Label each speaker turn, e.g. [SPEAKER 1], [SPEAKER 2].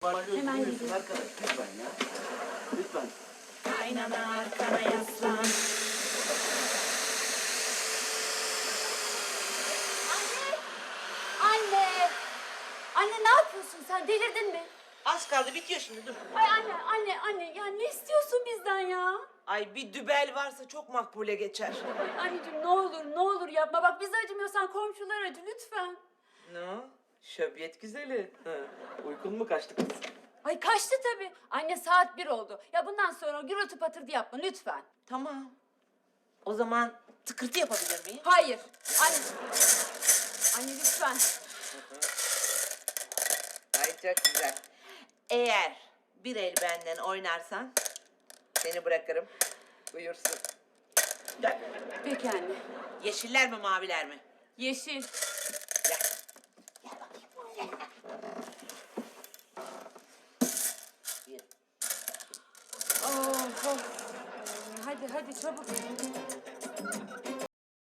[SPEAKER 1] Hemen gidiyorum.
[SPEAKER 2] Arkadaş lütfen ya. Lütfen.
[SPEAKER 1] Kaynana arkana yaslan.
[SPEAKER 3] Anne! Anne ne yapıyorsun sen? Delirdin mi?
[SPEAKER 4] Az kaldı bitiyor şimdi dur.
[SPEAKER 3] Ay anne ya ne istiyorsun bizden ya?
[SPEAKER 4] Ay bir dübel varsa çok makbule geçer.
[SPEAKER 3] Ay anneciğim ne olur yapma. Bak bize acımıyorsan komşular acı lütfen.
[SPEAKER 4] Ne o? Şöbiyet güzeli. Uykun mu kaçtı kız?
[SPEAKER 3] Ay kaçtı tabii. Anne saat 1 oldu. Ya bundan sonra gürültü patırtı yapma lütfen.
[SPEAKER 4] Tamam. O zaman tıkırtı yapabilir miyim?
[SPEAKER 3] Hayır. Anne. Anne lütfen.
[SPEAKER 4] Ay çok güzel. Eğer bir el benden oynarsan seni bırakırım. Buyursun. Gel.
[SPEAKER 3] Peki anne.
[SPEAKER 4] Yeşiller mi maviler mi?
[SPEAKER 3] Yeşil.
[SPEAKER 4] Gel. Bir.
[SPEAKER 3] Oh. Hadi çabuk.